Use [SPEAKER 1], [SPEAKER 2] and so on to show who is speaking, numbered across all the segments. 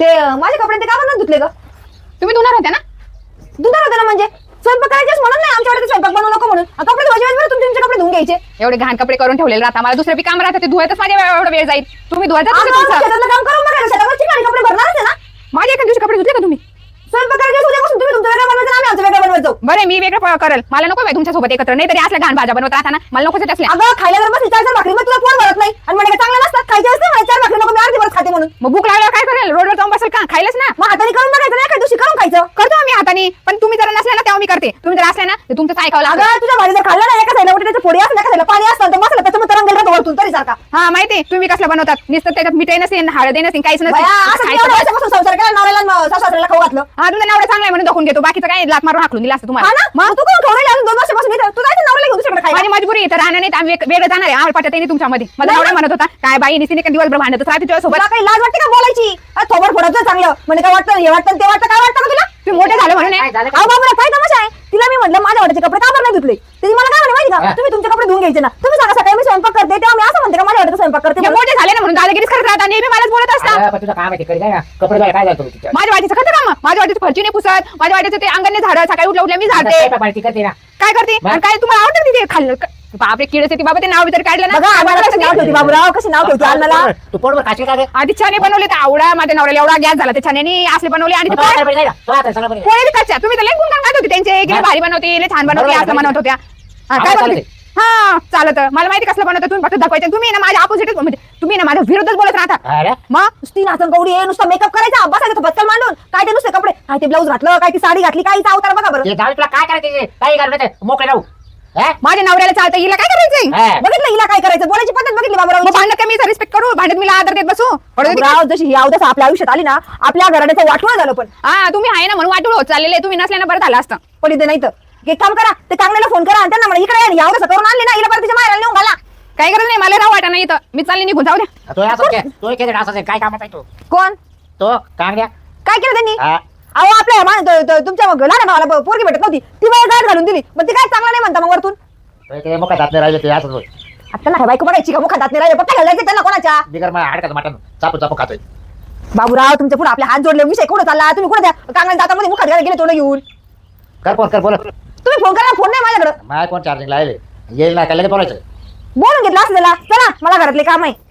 [SPEAKER 1] ते माझे कपडे ते का म्हणून धुतले ग?
[SPEAKER 2] तुम्ही धुणार होत्या ना?
[SPEAKER 1] धुणार होते ना म्हणजे स्वयंपाक करायचेच म्हणून नाही आमच्याकडे स्वयंपाक बनवू नको म्हणून कपडे धुवायचे वेळेस तुमचे कपडे धुवून घ्यायचे.
[SPEAKER 2] एवढे घाण कपडे करून ठेवलेले राहता, मला दुसरे बी काम राहतं, ते धुवायचं माझ्या एवढा वेळ जाईल. तुम्ही धुवायचं
[SPEAKER 1] शेतातलं काम करून बघा शेतावर ठिकाणी कपडे भरणारच आहे ना.
[SPEAKER 2] माझ्या एका दिवशी कपडे धुतले का तुम्ही?
[SPEAKER 1] स्वयंपाक करायचे उद्यापासून तुम्ही तुमचं वेगळं बनवायचं आम्ही आमचं वेगळं बनवायचं.
[SPEAKER 2] बरं मी वेगळं करेल, मला नको बाई तुमच्या सोबत एकत्र, नाही तरी असल्या घाण भाज्या बनवत राहता ना, मला नको असल्या.
[SPEAKER 1] अगं खायला जर बसली 4-4 भाकरी मग तुला पोट भरत नाही आणि म्हणजे चांगलं नसतात खायचे असते मला 4 भाकरी नको मी अर्धी भरत खाते म्हणून.
[SPEAKER 2] मग भूक लागल्यावर काय करेल? रोडवर जाऊन बसेल का? खायलाच ना.
[SPEAKER 1] मग हाताने करून बघायचं ना एका दिवशी करून खायचं.
[SPEAKER 2] करतो आम्ही हाताने, पण तुम्ही जर नसले ना तेव्हा मी करते, तुम्ही जर असले ना तर तुमचं ऐकावं लागतं.
[SPEAKER 1] अगं तुझ्या भाजी जर खाल्लं ना एका साईडला त्याच्या फोडी असतात एका साईडला पाणी असतं तर मसाला त्याच्यामध्ये तरंगेल राहतो वरतून तरी सारखा.
[SPEAKER 2] हा माहिती तुम्ही कसलं बनवतात, नुसतं त्याच्यात मिठाई नसेल, हळदी नसेल, काहीच
[SPEAKER 1] असं एवढं वर्षापासून संसार केला नवऱ्याला सासऱ्याला खाऊ घातलं.
[SPEAKER 2] हा तुमचा नवरा चांगला आहे म्हणून दाखवून घेतो, बाकीचं काय लात मारून हाकलून दिला असतं तुम्हाला.
[SPEAKER 1] हा ना मग तू कोण खाऊ अजून 2 वर्षापासून इथं तू जायचं नवऱ्याला घेऊन दुसरीकडे खायला.
[SPEAKER 2] माझी मजबुरी इथं राहणार नाही, आम्ही वेगळं जाणार आहे. आम्हाला पटत नाही तुमच्यामध्ये. मला नवरा म्हणत होता काय बाई निस्तीने दिवसभर भांडत राहते तुझ्यासोबत.
[SPEAKER 1] तुला काही लाज वाटते का बोलायची? थोबड फोडायचं चांगलं म्हणजे काय वाटतं हे वाटतं ते वाटतं काय वाटतं का तुला?
[SPEAKER 2] तुम्ही मोठे झाले म्हणून आहे.
[SPEAKER 1] अहो बाबा काय तमाशा आहे? तिला मी म्हटलं माझ्या वाट्याचे कपडे का बरं नाही धुतले? ती मला काय म्हणे माहिती का तुम्ही तुमचे कपडे धुवून घ्यायचे ना. तुम्ही सांगा सकाळी मी स्वयंपाक करते तेव्हा मी असं म्हणते का माझ्या वाट्याचा स्वयंपाक करते?
[SPEAKER 2] मोठे झाले ना म्हणून दादागिरीच करत राहता, नेहमी मलाच बोलत असतात.
[SPEAKER 3] तुझं काम आहे ते करी जाय ना. कपडे धुवायला काय जातो तिच्या?
[SPEAKER 2] माझ्या वाटीचं करते का? मग माझ्या वाटीचं फरची नाही पुसत, माझ्या वाटीचं ते अंगण झाडं, सकाळी उठल्या उठल्या मी झाडते.
[SPEAKER 3] ती करते ना.
[SPEAKER 2] काय करते आणि काय तुम्हाला आवडतं तिथे खाल्लं? बापरे किडस येते बाबा, ते नाव तरी काढलं
[SPEAKER 1] बघा आम्हाला कसं नाव
[SPEAKER 2] ना.
[SPEAKER 1] ठेवते बाबूराव कशी नाव ठेवते आम्हाला.
[SPEAKER 3] तू पोटभर खाशील का गे?
[SPEAKER 2] आधी छाने बनवले तर आवडा माझ्या नवऱ्याला एवढा गॅस झाला ते छाने असले बनवले आणि ते
[SPEAKER 3] तो आता बरी जाय ना. तो आता सगळं बरी.
[SPEAKER 2] पोळे बी कच्च्या. तुम्ही तर लई गुणगान गात होते त्यांचे, गेले भारी बनवते, लई छान बनवते, असं म्हणत होत्या. हा, काय
[SPEAKER 3] आम्हाला
[SPEAKER 2] बनवते? हा चालत मला माहिती कसलं बनवतं, तुम्ही फक्त दाखवायचं. तुम्ही ना माझ्या ऑपोजिटच म्हणजे तुम्ही ना माझ्या विरोधच बोलत राहता.
[SPEAKER 3] अरे
[SPEAKER 2] मग
[SPEAKER 1] नुसती नाचन गौडी आहे नुसतं मेकअप करायचा बसायचं बच्चल मांडून काय ते नुसते कपडे काय ते ब्लाऊज घातलं काय ती साडी घातली काय हिचा अवतार बघा बरं.
[SPEAKER 3] ते जाऊ तुला काय करायचं? काही करू नये मोकळे राहू.
[SPEAKER 2] माझ्या नवऱ्याला चालतं, हिला काय करायचंय?
[SPEAKER 1] बघितलं हिला काय करायचं बोलायची पद्धत बघितली बाबूराव.
[SPEAKER 2] मग भांडत कमी रिस्पेक्ट करू, भांडत मीला आदर देत बसू.
[SPEAKER 1] बाबूराव जशी ही अवदस आपल्या आयुष्यात आली ना आपल्या घराण्याचं वाटवं झालं पण
[SPEAKER 2] हा तुम्ही आहे ना म्हणून वाटून होत चाललेले, तुम्ही नसल्यानं बरं झालं असतं.
[SPEAKER 1] पण इथे नाही तर एक काम करा ते कांगण्याला फोन करा आणि त्यांना म्हणा इकडे या अवदस करून आणले ना हिला परत तिच्या मारायला नेऊन घाला.
[SPEAKER 2] काही गरज नाही, मला राव वाटा नाही इथं, मी चालले निघून जाऊ द्या.
[SPEAKER 3] तो असं तो केले असं काय कामाचा आहे तो?
[SPEAKER 1] कोण
[SPEAKER 3] तो कांगड्या.
[SPEAKER 1] काय केलं त्यांनी?
[SPEAKER 3] हा.
[SPEAKER 1] अहो आपल्या तुमच्या लहान भावाला पोरगी भेटत नव्हती ती मला गाठ घालून दिली मग ती काय चांगला नाही म्हणता मग वरतून.
[SPEAKER 3] ते मुखात हात नाही राहिले ते असं होय.
[SPEAKER 1] आता ना बायको बघायची का मुखात हात नाही राहिले पप्पा घालायचे त्यांना कोणाच्या?
[SPEAKER 3] बिगर मग हाडकाचं मटण चापू चापू खातोय.
[SPEAKER 1] बाबूराव तुमच्या पुढे आपले हात जोडले विषय कुठे चालला तुम्ही कुठे त्या कांगण्या दातामध्ये मुखात घाला गेले तोंड घेऊन.
[SPEAKER 3] कर फोन कर बोल.
[SPEAKER 1] तुम्ही फोन करा फोन नाही माझ्याकडे
[SPEAKER 3] माय कोण चार्जिंग लावले येईल ना काय लगेच बोलायचं.
[SPEAKER 1] बोलून घेतलं असं त्याला चला मला घरातले काम आहे.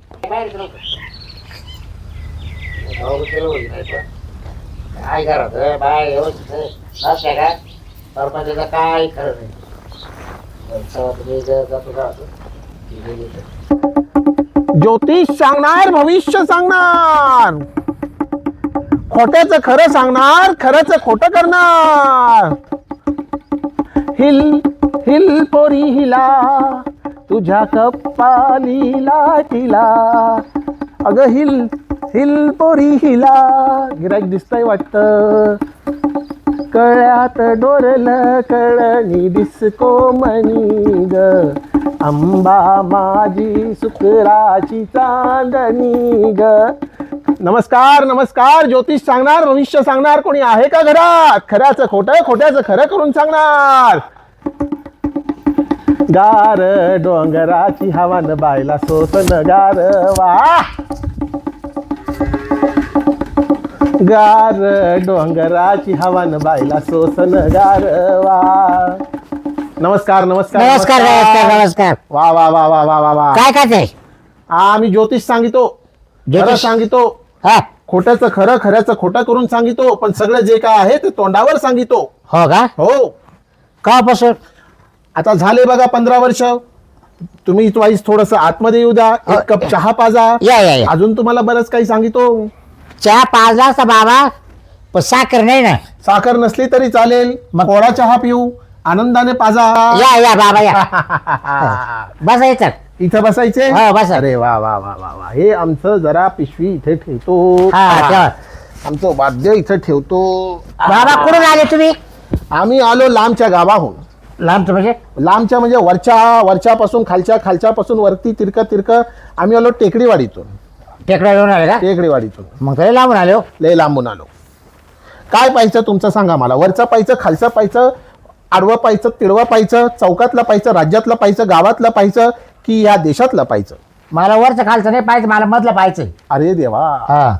[SPEAKER 3] काय करत बाय नसते का सरपंचाचं काय खरं नाही.
[SPEAKER 4] ज्योतिष सांगणार भविष्य सांगणार खोट्याचं खरं सांगणार खरंच खोटं करणार. हिल हिल पोरी हिला तुझ्या कपालीला तिला अगं हिल हिल पोरी हिला. गिराईक दिसतंय वाटतं कळ्यात डोरलं कळणी डिस्को मणी ग अंबा माझी सुकराची चांदणी ग. नमस्कार नमस्कार ज्योतिष सांगणार भविष्य सांगणार कोणी आहे का घरात? खऱ्याचं खोटं खोट्याचं खरं करून सांगणार. गार डोंगराची हवान बायला सोसन गार वा गार डोंगराची हवान बायला सोसन गारवा. नमस्कार नमस्कार
[SPEAKER 3] नमस्कार नमस्कार नमस्कार.
[SPEAKER 4] वा वा वा वा वा वा वा.
[SPEAKER 3] काय काय ते?
[SPEAKER 4] आम्ही ज्योतिष सांगितो खरं सांगितो
[SPEAKER 3] हा
[SPEAKER 4] खोट्याचं खरं खऱ्याचं खोटं करून सांगितो पण सगळं जे काय आहे ते तोंडावर सांगितो.
[SPEAKER 3] हो का?
[SPEAKER 4] हो
[SPEAKER 3] कापासून
[SPEAKER 4] आता झाले बघा 15 वर्ष. तुम्ही वाईस थोडस आतमध्ये येऊ द्या एक कप चहा पाजा.
[SPEAKER 3] या या या.
[SPEAKER 4] अजून तुम्हाला बरंच काही सांगितो.
[SPEAKER 3] चहा पाजला असता बाबा पण साखर नाही ना.
[SPEAKER 4] साखर नसली तरी चालेल
[SPEAKER 3] मग?
[SPEAKER 4] कोरा चहा पिऊ आनंदाने पाजा.
[SPEAKER 3] या या बाबा या. बसायचं.
[SPEAKER 4] इथं बसायचे.
[SPEAKER 3] हो, बसा.
[SPEAKER 4] अरे वा वा वा वा वा. हे आमचं जरा पिशवी इथे ठेवतो.
[SPEAKER 3] हा ठेवा.
[SPEAKER 4] आमचं वाद्य इथे ठेवतो.
[SPEAKER 3] बाबा कुठून आले तुम्ही?
[SPEAKER 4] आम्ही आलो लांबच्या गावाहून.
[SPEAKER 3] लांबचं म्हणजे?
[SPEAKER 4] लांबच्या म्हणजे वरच्यापासून खालच्यापासून वरती तिरक आम्ही आलो टेकडीवाडीतून.
[SPEAKER 3] टेकडा घेऊन आले का?
[SPEAKER 4] टेकडीवाडीतून
[SPEAKER 3] मग तरी लांबून आले हो.
[SPEAKER 4] लय लांबून आलो. काय पाहिजे तुमचं सांगा मला. वरचं पाहिजे खालचं पाहिजे आडवं पाहिजे तिडवं पाहिजे चौकातलं पाहिजे राज्यातलं पाहिजे गावातलं पाहिजे की या देशातलं पाहिजे?
[SPEAKER 3] मला वरचं खालचं नाही पाहिजे, मला मधलं पाहिजे.
[SPEAKER 4] अरे देवा.
[SPEAKER 3] हा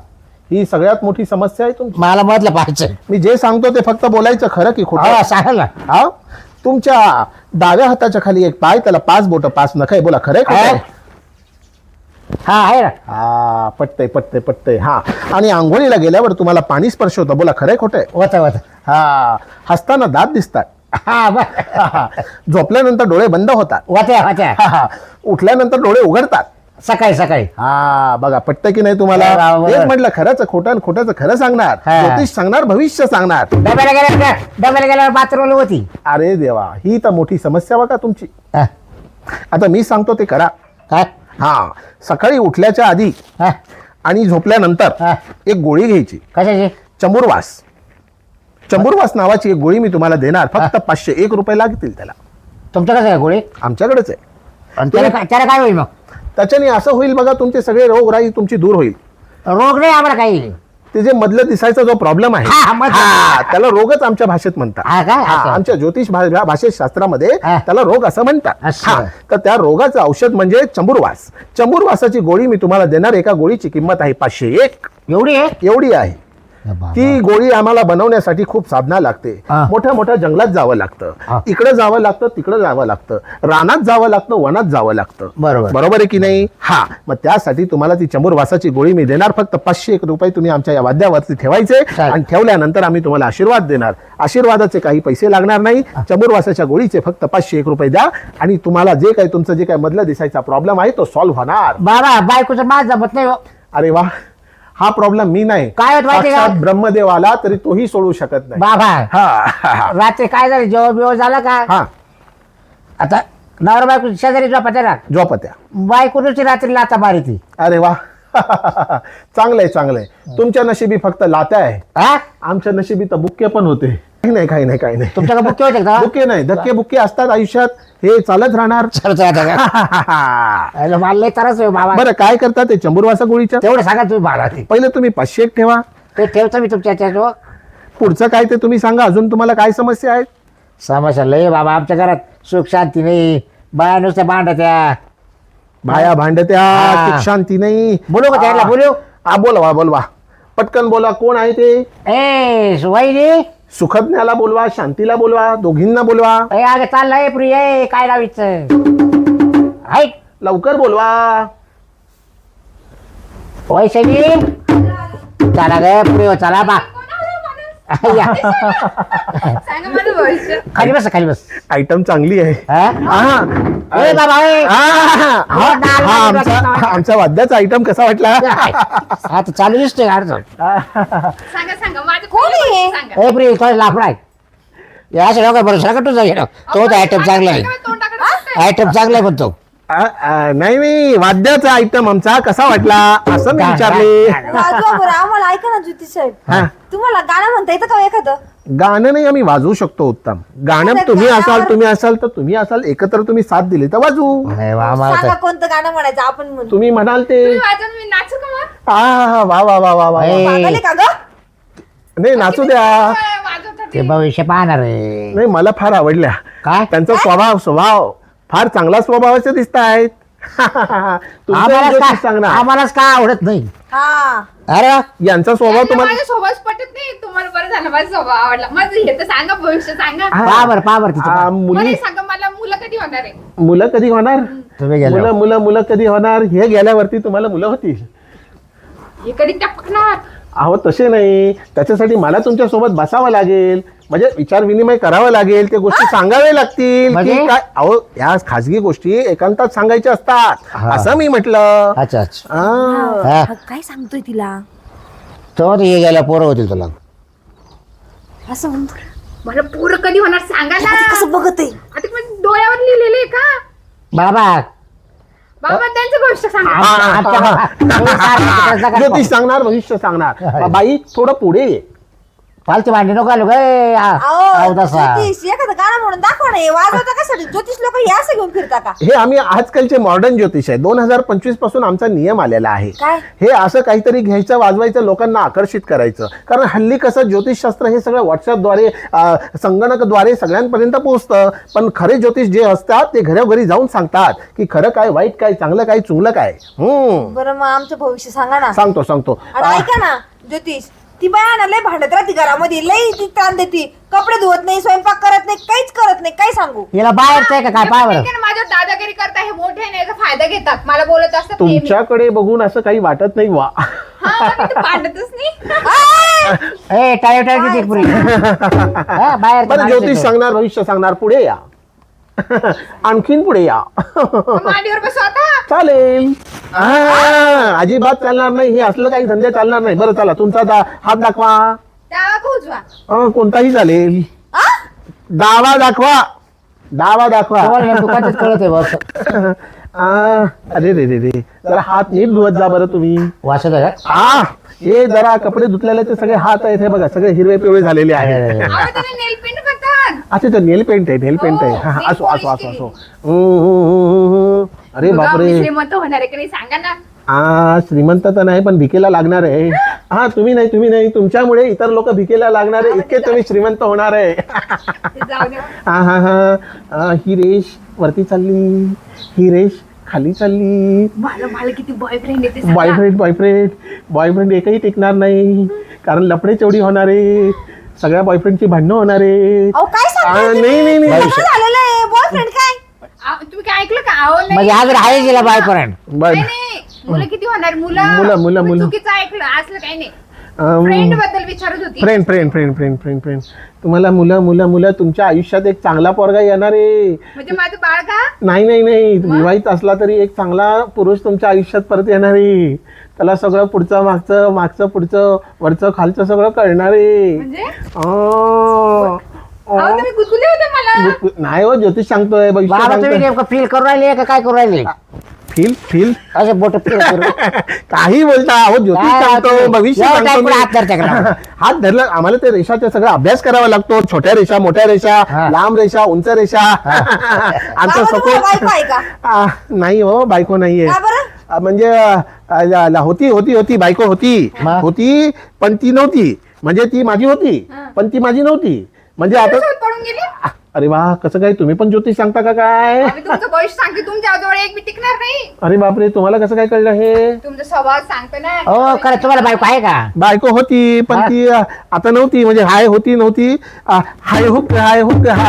[SPEAKER 4] ही सगळ्यात मोठी समस्या आहे तुमची.
[SPEAKER 5] मला मधलं पाहायचं.
[SPEAKER 4] मी जे सांगतो ते फक्त बोलायचं, खरं की खोटं.
[SPEAKER 5] हो सांगा ना.
[SPEAKER 4] हा, तुमच्या डाव्या हाताच्या खाली एक पाय, त्याला 5 बोट 5 नख आहे. बोला खरंय खोटं?
[SPEAKER 5] आहे. हा आहे ना.
[SPEAKER 4] हा, पटतंय. हा, आणि आंघोळीला गेल्यावर तुम्हाला पाणी स्पर्श होतं. बोला खरंय खोटंय?
[SPEAKER 5] होत.
[SPEAKER 4] हा, हसताना दात दिसतात.
[SPEAKER 5] हा बरं.
[SPEAKER 4] झोपल्यानंतर डोळे बंद होतात.
[SPEAKER 5] होत्या.
[SPEAKER 4] हा, उठल्यानंतर डोळे उघडतात.
[SPEAKER 5] सकाळी.
[SPEAKER 4] हा, बघा पटतं की नाही तुम्हाला?
[SPEAKER 5] बरोबर.
[SPEAKER 4] तेच म्हटलं, खरंच खोटं, खोटंच खरं सांगणार,
[SPEAKER 5] हा.
[SPEAKER 4] ज्योतिष सांगणार, भविष्य सांगणार.
[SPEAKER 5] डब्याला गेल्यावर बाथरूमला होती.
[SPEAKER 4] अरे देवा, ही तर मोठी समस्या बघा तुमची.
[SPEAKER 5] हा.
[SPEAKER 4] आता मी सांगतो ते करा.
[SPEAKER 5] काय?
[SPEAKER 4] हा, सकाळी उठल्याच्या आधी
[SPEAKER 5] हा.
[SPEAKER 4] आणि झोपल्यानंतर
[SPEAKER 5] हा.
[SPEAKER 4] एक गोळी घ्यायची,
[SPEAKER 5] कशाची?
[SPEAKER 4] चंबुरवास नावाची एक गोळी मी तुम्हाला देणार. फक्त 501 रुपये लागतील त्याला.
[SPEAKER 5] तुमच्याकडे आहे गोळी?
[SPEAKER 4] आमच्याकडेच आहे.
[SPEAKER 5] आणि त्याला काय होईल मग?
[SPEAKER 4] त्याच्याने असं होईल बघा, तुमचे सगळे रोगराई तुमची दूर होईल.
[SPEAKER 5] रोग नाही आम्हाला काही.
[SPEAKER 4] ते जे मधलं दिसायचा जो प्रॉब्लेम आहे,
[SPEAKER 5] हा, मधलं.
[SPEAKER 4] हा, त्याला रोगच आमच्या भाषेत म्हणतात.
[SPEAKER 5] हा काय?
[SPEAKER 4] हा,
[SPEAKER 5] असं.
[SPEAKER 4] आमच्या ज्योतिष भाषेत शास्त्रामध्ये
[SPEAKER 5] हा.
[SPEAKER 4] त्याला रोग असं म्हणतात.
[SPEAKER 5] असं.
[SPEAKER 4] हा, तर त्या रोगाचं औषध म्हणजे चंबुरवासाची गोळी मी तुम्हाला देणार. एका गोळीची किंमत आहे 501.
[SPEAKER 5] एवढी आहे?
[SPEAKER 4] एवढी आहे. ती गोळी आम्हाला बनवण्यासाठी खूप साधना लागते.
[SPEAKER 5] हा.
[SPEAKER 4] मोठ्या जंगलात जावं लागतं,
[SPEAKER 5] हा.
[SPEAKER 4] इकडे जावं लागतं, तिकडे जावं लागतं, रानात जावं लागतं, वनात जावं लागतं. बरोबर आहे की नाही? हा, मग त्यासाठी तुम्हाला ती चंबुरवासाची गोळी मी देणार. फक्त 501 रुपये तुम्ही आमच्या या वाद्यावरती ठेवायचे,
[SPEAKER 5] चालेल.
[SPEAKER 4] आणि ठेवल्यानंतर आम्ही तुम्हाला आशीर्वाद देणार. आशीर्वादाचे काही पैसे लागणार नाही. चंबुरवासाच्या गोळीचे फक्त 501 रुपये द्या, आणि तुम्हाला जे काही तुमचं जे काही मधलं दिसायचा प्रॉब्लेम आहे तो सॉल्व्ह होणार.
[SPEAKER 5] बाबा बायकोचं माझ जमत नाही हो.
[SPEAKER 4] अरे वा, हा प्रॉब्लेम मी नाही,
[SPEAKER 5] काय होत माहिती का?
[SPEAKER 4] साक्षात ब्रह्मदेव आला तरी तोही सोडू शकत नाही.
[SPEAKER 5] बाबा
[SPEAKER 4] हा.
[SPEAKER 5] रात्री काय झालं? जेवण बिवण झालं का?
[SPEAKER 4] हा,
[SPEAKER 5] आता नवरा बायको शेजारी झोपायचं ना.
[SPEAKER 4] झोपत्या.
[SPEAKER 5] बायकोची रात्री लाता मारी ती.
[SPEAKER 4] अरे वा, चांगलंय. तुमच्या नशिबी फक्त लात्या आहे,
[SPEAKER 5] हा?
[SPEAKER 4] आमच्या नशिबी तर बुक्के पण होते. काही नाही.
[SPEAKER 5] तुमच्याकडे बुक्के होते का?
[SPEAKER 4] बुक्के नाही, धक्के बुक्के असतात आयुष्यात, हे चालत राहणार.
[SPEAKER 5] चल आता का? अरे मला लय त्रास होईल बाबा.
[SPEAKER 4] बरं, काय करता ते चंबुरवासा गोळीच्या?
[SPEAKER 5] तेवढं सांगा तुम्ही मला ते.
[SPEAKER 4] पहिले तुम्ही 501 ठेवा,
[SPEAKER 5] ते ठेवतो मी तुमच्या त्याच्यावर.
[SPEAKER 4] पुढचं काय ते तुम्ही सांगा. अजून तुम्हाला काय समस्या आहेत?
[SPEAKER 5] समस्या लय बाबा. आमच्या घरात सुख शांती नाही. बाया नुसत्या भांडत्या.
[SPEAKER 4] बाया भांडत्या,
[SPEAKER 5] हा.
[SPEAKER 4] सुख शांती नाही.
[SPEAKER 5] बोलू का त्याला? बोलू?
[SPEAKER 4] हा, बोलवा पटकन बोला. कोण आहे ते?
[SPEAKER 5] ए वहिनी.
[SPEAKER 4] सुखज्ञाला बोलवा, शांतीला बोलवा, दोघींना बोलवा.
[SPEAKER 5] ए अगं चाललंय प्रिय. काय लावायचं? ऐक
[SPEAKER 4] लवकर बोलवा.
[SPEAKER 5] वैशाली चला ग प्रिय, चला बा. या.
[SPEAKER 2] सांगा माझं भविष्य.
[SPEAKER 5] खाली बस.
[SPEAKER 4] आयटम चांगली आहे.
[SPEAKER 5] हा?
[SPEAKER 4] हा.
[SPEAKER 5] ए बाबा ए.
[SPEAKER 4] हा, आमचा वाद्याचा आयटम कसा वाटला?
[SPEAKER 5] आता चालू दिसतोय का अडचण?
[SPEAKER 2] सांगा माझं
[SPEAKER 1] कोण आहे?
[SPEAKER 2] सांगा.
[SPEAKER 5] ए प्रिय थोडं लाफडाय. या अशा लोक बरोबर का तुझा घेणं? तो आयटम चांगला आहे.
[SPEAKER 2] तोंडाकडे
[SPEAKER 5] आयटम चांगला आहे म्हणतो.
[SPEAKER 4] नाही, वाद्याचा आयटम आमचा कसा वाटला असं मी विचारले.
[SPEAKER 1] वाजवा बरं, आम्हाला ऐका ना ज्योतिष साहेब.
[SPEAKER 4] हा.
[SPEAKER 1] तुम्हाला गाणं म्हणता येतं का एखादं?
[SPEAKER 4] गाणं नाही, आम्ही वाजवू शकतो उत्तम गाणं.
[SPEAKER 1] आता
[SPEAKER 4] तुम्ही
[SPEAKER 1] गाण्यावर-
[SPEAKER 4] तुम्ही असाल एकत्र, तुम्ही साथ दिली तर वाजवू.
[SPEAKER 5] नाही वा, आम्हाला
[SPEAKER 1] सांगा
[SPEAKER 5] तर-
[SPEAKER 1] कोणतं गाणं म्हणायचं आपण म्हणू.
[SPEAKER 4] तुम्ही म्हणाल ते.
[SPEAKER 2] वाजवून मी नाचू का मग?
[SPEAKER 4] वा.
[SPEAKER 5] ए.
[SPEAKER 1] पागल आहे का ग?
[SPEAKER 4] नाही, नाचू द्या.
[SPEAKER 2] वाजवतात
[SPEAKER 5] ते भविष्य पाहणार आहे.
[SPEAKER 4] नाही, मला फार आवडल्या.
[SPEAKER 5] काय?
[SPEAKER 4] त्यांचा स्वभाव फार चांगला स्वभावाचे दिसत आहेत. सांगणार
[SPEAKER 5] आम्हालाच का आवडत नाही?
[SPEAKER 1] हा.
[SPEAKER 5] अरे वा.
[SPEAKER 4] यांचा स्वभाव तुम्हाला
[SPEAKER 2] माझ्या स्वभाव पटत नाही. तुम्हाला बरं झालं माझा स्वभाव आवडला. माझं हे तर सांगा, भविष्य सांगा.
[SPEAKER 5] पहा बरं तिचं.
[SPEAKER 4] मुली
[SPEAKER 2] मला सांगा, मला मुलं कधी होणार आहे?
[SPEAKER 4] मुलं कधी होणार?
[SPEAKER 5] तुम्ही गेला
[SPEAKER 4] मुलं कधी होणार? हे गेल्यावरती तुम्हाला मुलं होतील.
[SPEAKER 2] हे कधी टपकणार?
[SPEAKER 4] अहो तसे नाही, त्याच्यासाठी मला तुमच्या सोबत बसावं लागेल, म्हणजे विचार विनिमय करावं लागेल, ते गोष्टी सांगावे लागतील.
[SPEAKER 5] म्हणजे?
[SPEAKER 4] की काय? अहो या खाजगी गोष्टी एकांतात सांगायच्या असतात,
[SPEAKER 5] हा.
[SPEAKER 4] असं मी म्हटलं.
[SPEAKER 5] अच्छा
[SPEAKER 4] हा.
[SPEAKER 1] काय सांगतोय तिला?
[SPEAKER 5] तो हे गेल्या पोरं होतील तुला.
[SPEAKER 1] असं म्हणतो.
[SPEAKER 2] मला पोरं कधी होणार सांगा ना.
[SPEAKER 1] कसं बघत आहे?
[SPEAKER 2] आता माझ्या डोळ्यावर लिहिलेलं आहे का?
[SPEAKER 5] बाबा
[SPEAKER 2] बाबा त्यांचं भविष्य सांगा.
[SPEAKER 4] ज्योतिष सांगणार, भविष्य सांगणार. बाई थोडं पुढे ये.
[SPEAKER 5] फालतू भांडी नको आलो गे.
[SPEAKER 1] अहो, ज्योतिष एखादं गाणं म्हणून दाखवा ना. हे वाजवता कशासाठी? ज्योतिष लोक हे असं घेऊन फिरता का?
[SPEAKER 4] हे आम्ही आजकालचे मॉडर्न ज्योतिष आहे. 2025 पासून आमचा नियम आलेला आहे.
[SPEAKER 1] काय?
[SPEAKER 4] हे असं काहीतरी घ्यायचं, वाजवायचं, लोकांना आकर्षित करायचं. कारण हल्ली कसं ज्योतिषशास्त्र हे सगळं व्हॉट्सअपद्वारे, संगणकाद्वारे सगळ्यांपर्यंत पोहोचतं. पण खरे ज्योतिष जे असतात ते घरोघरी जाऊन सांगतात की खरं काय, वाईट काय, चांगलं काय, चुंगलं काय.
[SPEAKER 1] बरं, मग आमचं भविष्य सांगा ना.
[SPEAKER 4] सांगतो.
[SPEAKER 1] आणि ऐका ना, ज्योतिष ती बाया ना लय भांडत राहते घरामध्ये, लय ती ताण देते, कपडे धुवत नाही, स्वयंपाक करत नाही, काहीच करत नाही, काय सांगू.
[SPEAKER 5] हिला बाहेरचं आहे का काय पाय बरं.
[SPEAKER 2] माझ्यावर दादागिरी करता, हे मोठे आहे ना, याचा फायदा घेतात, मला बोलत असतात नेहमी.
[SPEAKER 4] तुमच्याकडे बघून असं काही वाटत नाही वा.
[SPEAKER 2] हा, मी तर भांडतच नाही.
[SPEAKER 5] ए टाळी टाळी किती पुरी बाहेर
[SPEAKER 4] बरं ज्योतिष सांगणार, भविष्य सांगणार, पुढे या. आणखीन पुढे या.
[SPEAKER 2] मांडीवर बसू आता.
[SPEAKER 4] चालेल. अजिबात चालणार नाही, हे असलं काही धंदे चालणार नाही. बरं चला, तुमचा हात दाखवा.
[SPEAKER 2] डावा का उजवा?
[SPEAKER 4] कोणताही चालेल. डावा दाखवा, डावा दाखवा.
[SPEAKER 5] दुकानात कळत आहे बस.
[SPEAKER 4] अरे रे रे रे, जरा हात नीट धुवत जा बरं तुम्ही.
[SPEAKER 5] वाचत आहे का?
[SPEAKER 4] हे जरा कपडे धुतलेले ते सगळे हात आहेत, हे बघा सगळे हिरवे पिवळे झालेले आहेत.
[SPEAKER 2] नेल पेंट करतात.
[SPEAKER 4] अच्छा तर नेल पेंट आहे, नेल पेंट आहे.
[SPEAKER 2] हो,
[SPEAKER 4] हा,
[SPEAKER 2] nail
[SPEAKER 4] असो
[SPEAKER 2] polish
[SPEAKER 4] असो असो
[SPEAKER 2] केली.
[SPEAKER 4] असो. अरे
[SPEAKER 2] बघा,
[SPEAKER 4] बापरे.
[SPEAKER 2] मी श्रीमंत होणार आहे की नाही सांगा ना.
[SPEAKER 4] श्रीमंत तर नाही पण भिकेला लागणार आहे. हा तुम्ही नाही, तुमच्यामुळे इतर लोक भिकेला लागणार आहे, इतके तुम्ही श्रीमंत होणार आहे.
[SPEAKER 2] ते जाऊ दे.
[SPEAKER 4] हा ही रेष वरती चालली, ही रेष खाली चालली.
[SPEAKER 2] मला किती बॉयफ्रेंड येते सांगा.
[SPEAKER 4] बॉयफ्रेंड एकही टिकणार नाही, कारण लफडे चेवडी होणार आहे, सगळ्या बॉयफ्रेंडची भांडणं होणार आहे.
[SPEAKER 1] अहो काय सांगताय तुम्ही?
[SPEAKER 4] नाही
[SPEAKER 1] लग्न झालेलं आहे, बॉयफ्रेंड काय?
[SPEAKER 2] तुम्ही काय ऐकलं का? अहो नाही.
[SPEAKER 5] म्हणजे अजून आहे तिला बायपर्यंत.
[SPEAKER 2] नाही, मुलं किती होणार?
[SPEAKER 4] मुलं.
[SPEAKER 2] तुम्ही चुकीचं ऐकलं, असलं काही नाही. फ्रेंड बद्दल विचारत होती.
[SPEAKER 4] फ्रेंड तुम्हाला मुलं तुमच्या आयुष्यात एक चांगला पोरगा येणार आहे.
[SPEAKER 2] म्हणजे माझं बाळ का?
[SPEAKER 4] नाही विवाहित असला तरी एक चांगला पुरुष तुमच्या आयुष्यात परत येणार आहे. त्याला सगळं पुढचं मागचं पुढचं वरचं खालचं सगळं कळणार आहे.
[SPEAKER 2] म्हणजे तुम्ही गुदगुले होते मला.
[SPEAKER 4] नाही हो, ज्योतिष सांगतोय, भविष्य
[SPEAKER 5] बाबा तुम्ही
[SPEAKER 4] सांगतोय.
[SPEAKER 5] नेमकं फील करू राहिले का काय करू राहिले?
[SPEAKER 4] फील
[SPEAKER 5] असे बोट फील करू.
[SPEAKER 4] काही बोलता हो, ज्योतिष
[SPEAKER 5] काय
[SPEAKER 4] सांगतो,
[SPEAKER 5] तुम्ही?
[SPEAKER 4] भविष्य
[SPEAKER 5] एवढं
[SPEAKER 4] सांगतो
[SPEAKER 5] काय
[SPEAKER 4] मी.
[SPEAKER 5] पुढे हात धरता का?
[SPEAKER 4] हात धरला आम्हाला ते रेषाचा सगळा अभ्यास करावा लागतो. छोट्या रेषा, मोठ्या रेषा,
[SPEAKER 5] हा.
[SPEAKER 4] लांब रेषा, उंच रेषा. आमचं
[SPEAKER 1] बाबा, तुम्हाला बायको आहे
[SPEAKER 4] सपोज
[SPEAKER 1] का?
[SPEAKER 4] नाही हो, बायको नाहीये.
[SPEAKER 1] का बरं?
[SPEAKER 4] म्हणजे होती बायको
[SPEAKER 5] मग?
[SPEAKER 4] होती पण ती नव्हती. म्हणजे ती माझी होती पण ती माझी नव्हती. म्हणजे आता
[SPEAKER 2] शोध पडून गेली.
[SPEAKER 4] अरे वा, कसं काय, तुम्ही पण ज्योतिष सांगता का काय?
[SPEAKER 2] आम्ही तुमचं भविष्य सांगते, तुमच्या जवळ एक बी टिकणार नाही.
[SPEAKER 4] अरे बापरे, तुम्हाला कसं काय कळलं हे?
[SPEAKER 2] तुमचा स्वभाव सांगतो ना.
[SPEAKER 5] हो खरं तुम्हाला बायको आहे का?
[SPEAKER 4] बायको होती पण
[SPEAKER 5] हा.
[SPEAKER 4] ती आता नव्हती. म्हणजे हाय होती नव्हती. हाय हुक हाय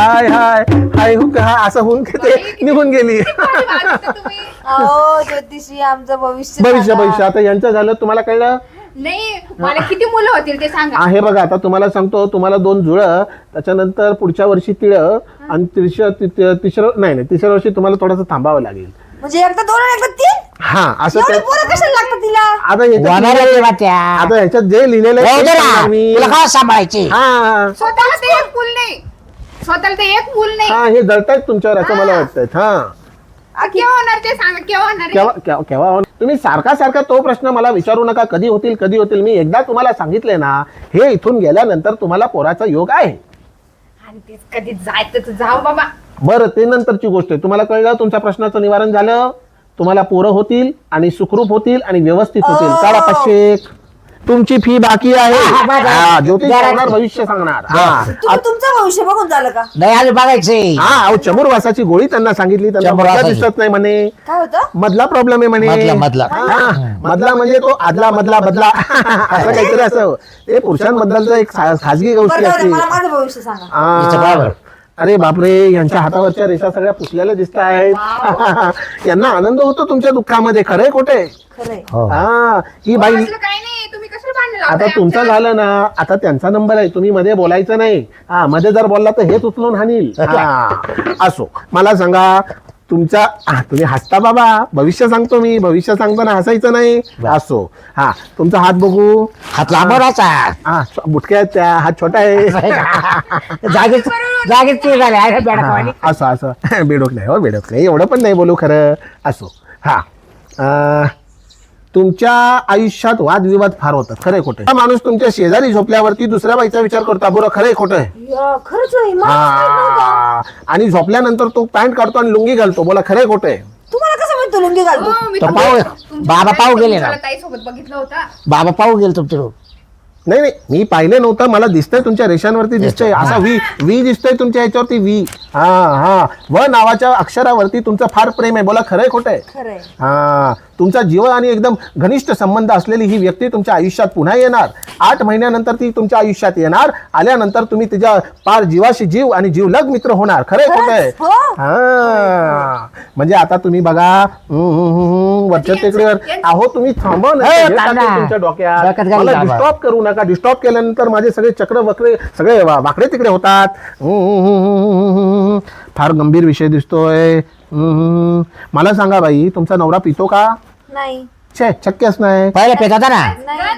[SPEAKER 4] हुक हा असं होऊन ते निघून गेली.
[SPEAKER 2] भारी वाटतं तुम्ही.
[SPEAKER 1] अहो ज्योतिषी आमचं भविष्य
[SPEAKER 4] भविष्य
[SPEAKER 1] सांगा.
[SPEAKER 4] आता यांचं झालं, तुम्हाला कळलं?
[SPEAKER 2] नाही, मला किती मुलं होतील ते सांगा.
[SPEAKER 4] हे बघा, आता तुम्हाला सांगतो, तुम्हाला 2 जुळं, त्याच्यानंतर पुढच्या वर्षी तिळं, आणि तिसऱ्या वर्षी तुम्हाला थोडंसं थांबावं लागेल.
[SPEAKER 1] म्हणजे एकदा 2 आणि एकदा 3?
[SPEAKER 4] हा असं
[SPEAKER 1] एवढी
[SPEAKER 4] ते-
[SPEAKER 1] पोरं कशाला लागतात तिला?
[SPEAKER 4] आता
[SPEAKER 5] होणार आहे तेव्हा त्या.
[SPEAKER 4] आता ह्याच्यात जे लिहिलेलं आहे
[SPEAKER 5] जाऊ
[SPEAKER 4] ते
[SPEAKER 5] दे
[SPEAKER 4] सांगणार
[SPEAKER 5] ना.
[SPEAKER 4] मी.
[SPEAKER 5] तुला काय सांभाळायची?
[SPEAKER 4] हा
[SPEAKER 2] स्वतःला ते एक मूल नाही. स्वतःला ते एक मूल नाही.
[SPEAKER 4] हा, हे जळतायत तुमच्यावर असं मला वाटतंय. हा
[SPEAKER 2] केव्हा होणार ते सांगा, केव्हा होणार आहे?
[SPEAKER 4] केव्हा होणार? तुम्ही सारखा तो प्रश्न मला विचारू नका, कधी होतील. मी एकदा तुम्हाला सांगितले ना, हे इथून गेल्यानंतर तुम्हाला पोराचा योग आहे.
[SPEAKER 2] आणि तेच कधी जायचं तर जाऊ बाबा.
[SPEAKER 4] बरं, ते नंतरची गोष्ट आहे. तुम्हाला कळलं, तुमच्या प्रश्नाचं निवारण झालं. तुम्हाला पोरं होतील आणि सुखरूप होतील आणि व्यवस्थित होतील. काढा 500. तुमची फी बाकी आहे. ज्योतिष सांगणार, भविष्य सांगणार.
[SPEAKER 1] तुम्ही तुमचं भविष्य बघून झालं का?
[SPEAKER 5] नाही अजून बघायचंय.
[SPEAKER 4] अहो, चमुरवासाची गोळी त्यांना सांगितली, त्यांना मधला
[SPEAKER 5] चमुरवासाची.
[SPEAKER 4] दिसत नाही म्हणे.
[SPEAKER 1] काय होतं?
[SPEAKER 4] मधला प्रॉब्लेम आहे म्हणे.
[SPEAKER 5] मधला.
[SPEAKER 4] मधला म्हणजे तो आदला मधला बदला असं काहीतरी असं. ते पुरुषांबद्दलचं एक खाजगी गोष्टी
[SPEAKER 1] बरं जाऊ
[SPEAKER 4] असते.
[SPEAKER 1] दे, मला माझं भविष्य सांगा.
[SPEAKER 5] हिचं बरोबर.
[SPEAKER 4] अरे बापरे, यांच्या हातावरच्या रेषा सगळ्या पुसलेल्या दिसत आहेत. यांना आनंद होतो तुमच्या दुःखामध्ये. खरंय खोटे?
[SPEAKER 1] खरंय.
[SPEAKER 5] हो.
[SPEAKER 4] ही बाई.
[SPEAKER 2] असलं काही नाही, तुम्ही कशाला भांडण
[SPEAKER 4] आता
[SPEAKER 2] लावताय
[SPEAKER 4] तुमचं
[SPEAKER 2] आमच्या?
[SPEAKER 4] झालं ना, आता त्यांचा नंबर आहे, तुम्ही मध्ये बोलायचं नाही. मध्ये जर बोलला तर हेच उचलून हानील. असो, मला सांगा, तुम्ही हसता बाबा, भविष्य सांगतो मी, भविष्य सांगताना हसायचं नाही. असो, तुमचा हात बघू.
[SPEAKER 5] हात लांबवराचा.
[SPEAKER 4] बुटक्या आहेत त्या, हात छोटा आहे.
[SPEAKER 5] जागेच ते झाले आहे बेडकावानी.
[SPEAKER 4] असं बेडोक नाही हो, बेडोक नाही, एवढं पण नाही बोलू खरं. असो, तुमच्या आयुष्यात वादविवाद फार होतात. खरंय खोटं? हा माणूस तुमच्या शेजारी झोपल्यावरती दुसऱ्या बाईचा विचार करतो. बरं, खरंय खोटं?
[SPEAKER 1] खरंच आहे. मला माहित नव्हतं.
[SPEAKER 4] आणि झोपल्यानंतर तो पॅन्ट काढतो आणि लुंगी घालतो. बोला, खरंय खोटं?
[SPEAKER 1] तुम्हाला कसं माहित तो लुंगी घालतो?
[SPEAKER 2] हो, मी
[SPEAKER 5] तो
[SPEAKER 2] तर-
[SPEAKER 5] पाहू-
[SPEAKER 2] तुमच्या
[SPEAKER 5] बाबा पाहू गेले ना.
[SPEAKER 2] ताई सोबत बघितलं होतं.
[SPEAKER 5] बाबा पाहू गेल तुमच्या
[SPEAKER 4] नाही नाही, मी पाहिले नव्हतं, मला दिसतंय तुमच्या रेषांवरती दिसतंय असा वी दिसतोय तुमच्या ह्याच्यावरती वी. हा व नावाच्या अक्षरावरती तुमचं फार प्रेम आहे. बोला खरंय खोटंय?
[SPEAKER 1] खरंय.
[SPEAKER 4] हा, तुमचा जीव आणि एकदम घनिष्ठ संबंध असलेली ही व्यक्ती तुमच्या आयुष्यात पुन्हा येणार. 8 महिन्यानंतर ती तुमच्या आयुष्यात येणार. आल्यानंतर तुम्ही तिच्या पार जीवाशी जीव आणि जीवलग मित्र होणार. खरंय खोटंय?
[SPEAKER 1] हो.
[SPEAKER 4] हा, म्हणजे आता तुम्ही बघा वरच्या टेकडीवर आहो, तुम्ही थांबा ना,
[SPEAKER 5] हो,
[SPEAKER 4] हे
[SPEAKER 5] थांब
[SPEAKER 4] टाकेल
[SPEAKER 5] ना.
[SPEAKER 4] तुमच्या डोक्यात.
[SPEAKER 5] डोक्यात घालून
[SPEAKER 4] मला
[SPEAKER 5] थांबा.
[SPEAKER 4] डिस्टॉप करू नका. डिस्टॉप केल्यानंतर माझे सगळे चक्र वक्रे सगळे वाकडे तिकडे होतात. फार गंभीर विषय दिसतोय. मला सांगा बाई, तुमचा नवरा पितो का?
[SPEAKER 1] नाही.
[SPEAKER 4] छे, शक्यच नाही.
[SPEAKER 5] पहिले पेत होता ना.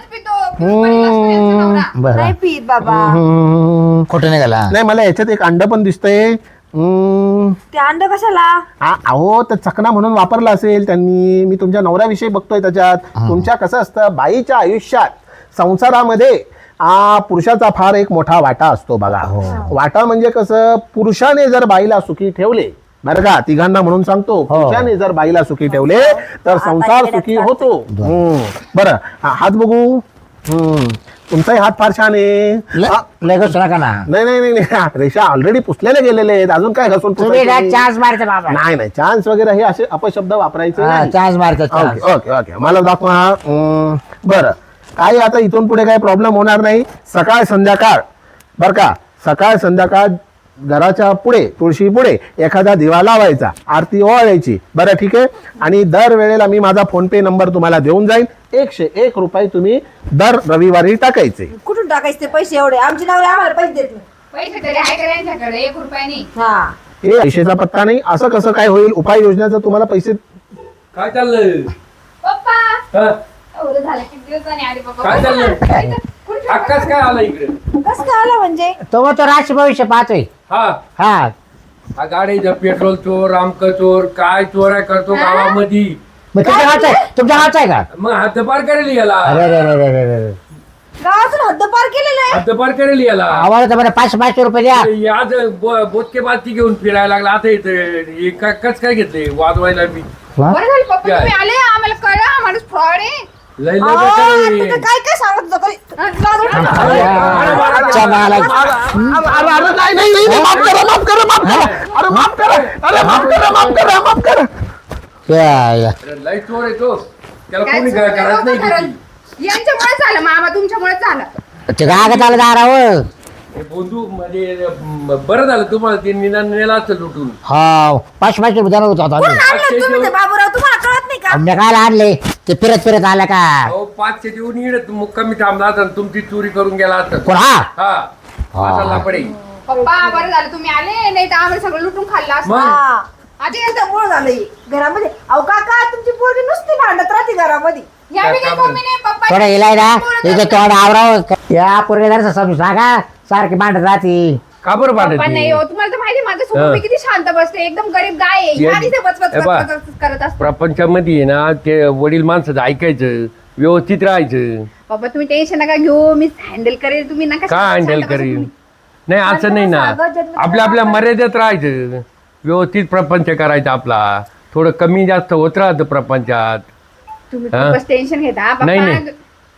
[SPEAKER 5] बरं
[SPEAKER 1] नाही पीत बाबा.
[SPEAKER 5] खोटं नाही गेला.
[SPEAKER 4] नाही, मला याच्यात एक अंड पण दिसतंय.
[SPEAKER 1] ते अंड कशाला?
[SPEAKER 4] अहो, तर चकना म्हणून वापरला असेल त्यांनी. मी तुमच्या नवऱ्याविषयी बघतोय त्याच्यात. तुमच्या कसं असतं, बाईच्या आयुष्यात संसारामध्ये पुरुषाचा फार एक मोठा वाटा असतो बघा. वाटा म्हणजे कसं, पुरुषाने जर बाईला सुखी ठेवले, बरं का, तिघांना म्हणून सांगतो, पुरुषाने जर बाईला सुखी ठेवले तर संसार सुखी होतो. बरं, हात बघू. तुमचाही हात फार छान आहे.
[SPEAKER 5] लय घसू नका ना.
[SPEAKER 4] नाही नाही नाही नाही, रेषा ऑलरेडी पुसलेले गेलेले आहेत. अजून काय घसून
[SPEAKER 5] तुम्ही
[SPEAKER 4] पुसायचे?
[SPEAKER 5] चान्स मारते बाबा.
[SPEAKER 4] नाही नाही, चान्स वगैरे हे असे अपशब्द वापरायचे नाही.
[SPEAKER 5] चान्स मारते.
[SPEAKER 4] ओके ओके ओके, मला दाखवा. बरं, काय आता इथून पुढे काही प्रॉब्लेम होणार नाही. सकाळ संध्याकाळ, बरं का, सकाळ संध्याकाळ घराच्या पुढे, तुळशी पुढे एखादा दिवा लावायचा, आरती ओवाळायची. बरं, ठीक आहे. आणि दर वेळेला मी माझा फोन पे नंबर तुम्हाला देऊन जाईल. 101 रुपये तुम्ही दर रविवारी टाकायचे.
[SPEAKER 1] कुठून टाकायचे ते पैसे एवढे? आमची नवरे आम्हाला पैसे देत नाही.
[SPEAKER 2] पैसे तरी आहे का यांच्याकडे? 1 रुपया नाही.
[SPEAKER 1] हा.
[SPEAKER 4] हे पैशाचा पत्ता नाही. असं कसं काय होईल? उपाययोजनाचं तुम्हाला पैसे
[SPEAKER 6] काय चाललंय?
[SPEAKER 2] पप्पा
[SPEAKER 6] हा?
[SPEAKER 2] एवढं झालं किती दिवसांनी आले पप्पा.
[SPEAKER 6] काय चाललंय? आकाश काय आला इकडे?
[SPEAKER 1] कसं काय आलं म्हणजे?
[SPEAKER 5] तो मग तो राशी भविष्य पाहतोय.
[SPEAKER 6] हा
[SPEAKER 5] हा,
[SPEAKER 6] हा गाडीचा पेट्रोल चोर, रामक चोर, काय चोऱ्या करतो गावामध्ये.
[SPEAKER 5] मग तुमच्या गावचा आहे? तुमच्या गावचा आहे का?
[SPEAKER 6] मग हद्दपार करेल याला.
[SPEAKER 5] अरे रे रे रे रे रे.
[SPEAKER 1] गावातून हद्दपार केलेलं आहे.
[SPEAKER 6] हद्दपार करेल याला.
[SPEAKER 5] आम्हाला तर बरं 500 रुपये द्या.
[SPEAKER 6] आज बोतके बाती घेऊन फिरायला लागला. आता इथे कस काय घेतले वाजवायला मी.
[SPEAKER 2] बरं झालं पप्पा तुम्ही आले. आम्हाला कळलं हा माणूस फ्रॉड आहे.
[SPEAKER 6] लय
[SPEAKER 1] अहो,
[SPEAKER 6] लय
[SPEAKER 1] आता
[SPEAKER 6] बेकार
[SPEAKER 1] तर काय काय सांगत होतं काही?
[SPEAKER 5] अच्छा, मला-
[SPEAKER 4] नाही नाही नाही, माफ करा, माफ करा, माफ करा. अरे माफ करा, अरे माफ करा, माफ करा, माफ करा.
[SPEAKER 5] या.
[SPEAKER 6] आहे. लय चोर आहे तो. त्याला
[SPEAKER 2] काय
[SPEAKER 6] कोणी
[SPEAKER 2] चोर
[SPEAKER 6] करत नाही
[SPEAKER 2] करत?
[SPEAKER 6] किती.
[SPEAKER 2] यांच्यामुळे झालं मामा, तुमच्यामुळे झालं.
[SPEAKER 5] ते गागत आलं दारावर.
[SPEAKER 6] हे बंधू म्हणजे बरं झालं तुम्हाला ते निदान नेला असतं लुटून.
[SPEAKER 5] हा, 500 रुपये देणार होतो आता आम्ही.
[SPEAKER 1] आणलं तुम्ही ते बाबूराव, तुम्हाला कळत नाही का?
[SPEAKER 5] आम्ही काय आणले ते फिरत फिरत आलं का?
[SPEAKER 6] अहो 500 देऊन येणं मुक्कामी थांबला असता आणि तुमची चोरी करून गेला असता.
[SPEAKER 5] कोण हा?
[SPEAKER 6] हा असा लापडे.
[SPEAKER 2] पप्पा बरं झालं तुम्ही आले, नाही तर आम्हाला सगळं लुटून खाल्लं असतं.
[SPEAKER 6] मग
[SPEAKER 1] हा. आधी याचं मूळ झालंय घरामध्ये. अहो काका, तुमची पोरगी नुसती भांडत राहते घरामध्ये.
[SPEAKER 2] या बी काही कमी नाही पप्पा.
[SPEAKER 5] थोडं इलाय ना इथे तोंड आवराव. या पोरगेदार समजून सांगा, सारखी मांडत राहती.
[SPEAKER 6] का बरं
[SPEAKER 2] पप्पा
[SPEAKER 6] भांडत
[SPEAKER 2] नाही हो, तुम्हाला तर माहिती आहे, माझं सोबत मी किती शांत बसते, एकदम गरीब गाय आहे.
[SPEAKER 6] ये-
[SPEAKER 2] आधीच ते बचबच
[SPEAKER 6] ए बा.
[SPEAKER 2] करत असते.
[SPEAKER 6] प्रपंचामध्ये आहे ना ते वडील माणसाचं ऐकायचं, व्यवस्थित राहायचं.
[SPEAKER 2] पप्पा तुम्ही टेन्शन नका घेऊ, मी हँडल करेल. तुम्ही नका
[SPEAKER 6] काय
[SPEAKER 2] शांत
[SPEAKER 6] हँडल
[SPEAKER 2] बसा
[SPEAKER 6] करीन?
[SPEAKER 2] तुम्ही.
[SPEAKER 6] नाही असं नाही ना.
[SPEAKER 1] सागं जन्म
[SPEAKER 6] आपल्या आपल्या मर्यादेत राहायचं, व्यवस्थित प्रपंच करायचा आपला. थोडं कमी जास्त होत राहतं प्रपंचात.
[SPEAKER 2] तुम्ही
[SPEAKER 6] हा?
[SPEAKER 2] खूपच टेन्शन घेता
[SPEAKER 6] नाही,
[SPEAKER 2] पप्पा.
[SPEAKER 6] नाही.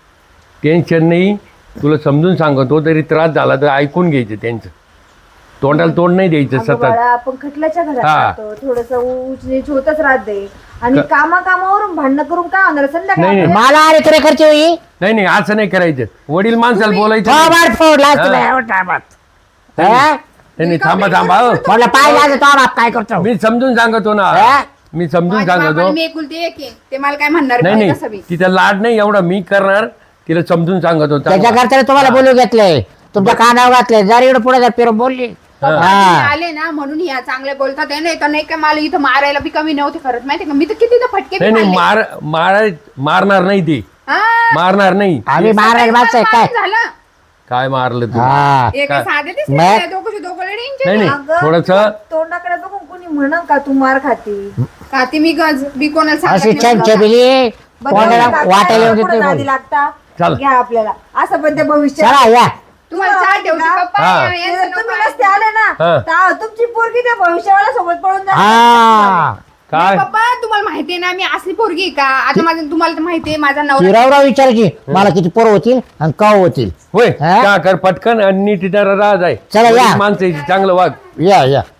[SPEAKER 6] टेन्शन नाही, तुला समजून सांगतो. तरी त्रास झाला तर ऐकून घ्यायचं त्यांचं. तोंडाला तोंड नाही द्यायचं
[SPEAKER 1] अगं
[SPEAKER 6] सतत.
[SPEAKER 1] बाळा, आपण खटल्याच्या घरात
[SPEAKER 6] हा.
[SPEAKER 1] राहतो, थोडस ऊच नीच होतच राहते. आणि कामावरून भांडणं करून काय होणार? संध्याकाळी
[SPEAKER 6] नाही,
[SPEAKER 1] आपल्याला-
[SPEAKER 5] मला आले तुला खर्च होई.
[SPEAKER 6] नाही नाही असं नाही करायचं. वडील माणसाला बोलायचं नाही.
[SPEAKER 5] थोबाड फोडला
[SPEAKER 6] हा.
[SPEAKER 5] तुला एवढं टायमात.
[SPEAKER 6] नाही,
[SPEAKER 5] हा?
[SPEAKER 6] नाही थांबा थांबा हो.
[SPEAKER 5] म्हटलं पाहिजे तो बाप काय करतो.
[SPEAKER 6] मी समजून सांगतो ना.
[SPEAKER 5] हा?
[SPEAKER 6] मी समजून
[SPEAKER 2] माझ्या
[SPEAKER 6] सांगतो.
[SPEAKER 2] बाबाला मी एकुलती एक आहे. ते मला काय म्हणणार
[SPEAKER 6] नाही
[SPEAKER 2] नाही
[SPEAKER 6] नाही
[SPEAKER 2] कसं बी.
[SPEAKER 6] तिचा लाड नाही एवढा मी करणार. तिला समजून सांगतो.
[SPEAKER 5] त्याच्या घरच्याने तुम्हाला बोलू घेतलंय, तुमच्या कानावर घातले. जर इकडे पुढे जर फिरून बोलली.
[SPEAKER 2] तुम्ही
[SPEAKER 5] हा.
[SPEAKER 2] आले ना म्हणून या चांगले बोलतात आहे. नाही तर नाही काय मला इथं मारायला बी कमी नव्हते करत, माहिती का? मी तर किती तर फटके बी
[SPEAKER 6] नाही नाही
[SPEAKER 2] खाल्ले.
[SPEAKER 6] मारणार नाही ते.
[SPEAKER 2] हा.
[SPEAKER 6] मारणार नाही.
[SPEAKER 5] आम्ही मारायला माणसं आहे काय?
[SPEAKER 2] झालं
[SPEAKER 6] काय मारलं तू?
[SPEAKER 5] हा.
[SPEAKER 2] हे काय साधे दिसते
[SPEAKER 5] मग?
[SPEAKER 2] का? दोघंशी दोघं लढींचे
[SPEAKER 6] नाही
[SPEAKER 2] नाही.
[SPEAKER 6] नाही
[SPEAKER 1] अगं,
[SPEAKER 6] थोडस
[SPEAKER 1] तोंडाकडे बघून कोणी म्हणन का तू मार खाती?
[SPEAKER 2] का ती मी गज बी कोणाला सांगत
[SPEAKER 5] अशी
[SPEAKER 2] नाही
[SPEAKER 5] छान
[SPEAKER 2] बघा.
[SPEAKER 5] छबिली कोणाला वाटायला येऊन
[SPEAKER 1] पुढे
[SPEAKER 5] देते
[SPEAKER 1] नादी लागता.
[SPEAKER 6] चल.
[SPEAKER 1] घ्या आपल्याला असं पण ते भविष्य.
[SPEAKER 5] चला या.
[SPEAKER 2] तुम्हाला चहा ठेवते पप्पा.
[SPEAKER 6] हा.
[SPEAKER 2] यांचं नको
[SPEAKER 1] तुम्ही
[SPEAKER 2] आहे.
[SPEAKER 1] नसते आले ना,
[SPEAKER 6] हा.
[SPEAKER 1] तर तुमची पोरगी त्या भविष्यवाला सोबत पळून जाते.
[SPEAKER 5] हा.
[SPEAKER 6] काय
[SPEAKER 2] पप्पा तुम्हाला माहितीये ना मी असली पोरगी आहे का? आता माझं तुम्हाला तर माहितीये माझा नवरा
[SPEAKER 5] चिरावराव विचार की मला किती पोरं होतील आणि का होतील.
[SPEAKER 6] होय
[SPEAKER 5] हा?
[SPEAKER 6] का कर पटकन आणि नीट राहा जाय
[SPEAKER 5] चला, या.
[SPEAKER 6] माणसाची चांगलं वाग.
[SPEAKER 5] या या